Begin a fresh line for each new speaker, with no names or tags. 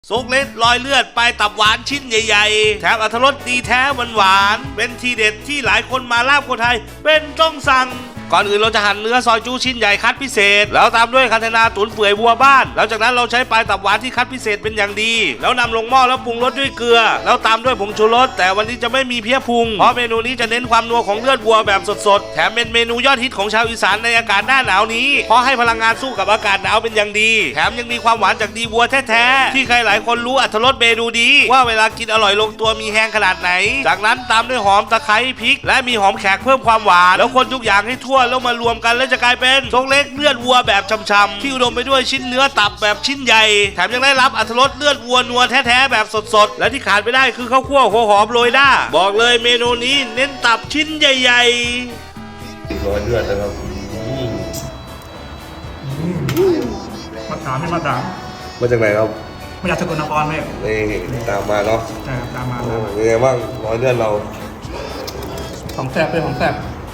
ซุกเล็ดรอยเลือดปลายตับหวานชิ้นใหญ่ๆแถมอรรถรสดีแท้หวานๆเป็นทีเด็ดที่หลายคนมาลาบคนไทยเป็นต้องสั่งก่อนอื่นเราจะหั่นเนื้อซอยจูชิ้นใหญ่คัดพิเศษแล้วตามด้วยคันธนาตุ๋นเปื่อยบัวบ้านแล้วจากนั้นเราใช้ปลายตับหวานที่คัดพิเศษเป็นอย่างดีแล้วนำลงหม้อแล้วปรุงรสด้วยเกลือแล้วตามด้วยผงชูรสแต่วันนี้จะไม่มีเพี้ยพุงเพราะเมนูนี้จะเน้นความนัวของเลือดวัวแบบสดๆแถมเป็นเมนูยอดฮิตของชาวอีสานในอากาศหน้าหนาวนี้เพราะให้พลังงานสู้กับอากาศหนาวเป็นอย่างดีแถมยังมีความหวานจากดีวัวแท้ๆที่ใครหลายคนรู้อรรถรสเมนูดีว่าเวลากินอร่อยลงตัวมีแห้งขนาดไหนจากนั้นตามด้วยหอมตะไคร้พริกและมีหอมแขกเพิ่มความหวานแล้วคนทุกอย่างให้ทั่วแล้วมารวมกันแล้วจะกลายเป็นซุกเล็กเลือดวัวแบบช่ำๆที่อุดมไปด้วยชิ้นเนื้อตับแบบชิ้นใหญ่แถมยังได้รับอรรถรสเลือดวัวนัวแท้ๆแบบสดๆและที่ขาดไม่ได้คือข้าวคั่วหัวหอมโรยหน้าบอกเลยเมนูนี้เน้นตับชิ้นใหญ่ๆ
รอยเลือดนะครับ
มาถามไม่มาถาม
มาจากไหนครับ
มาจากสกลนครไหม
นี่ตามมาเนาะ
ใช่ครับตามมา
เป็นไงบ้างรอยเลือดเรา
ของแซ่บเป็นของแซ่บ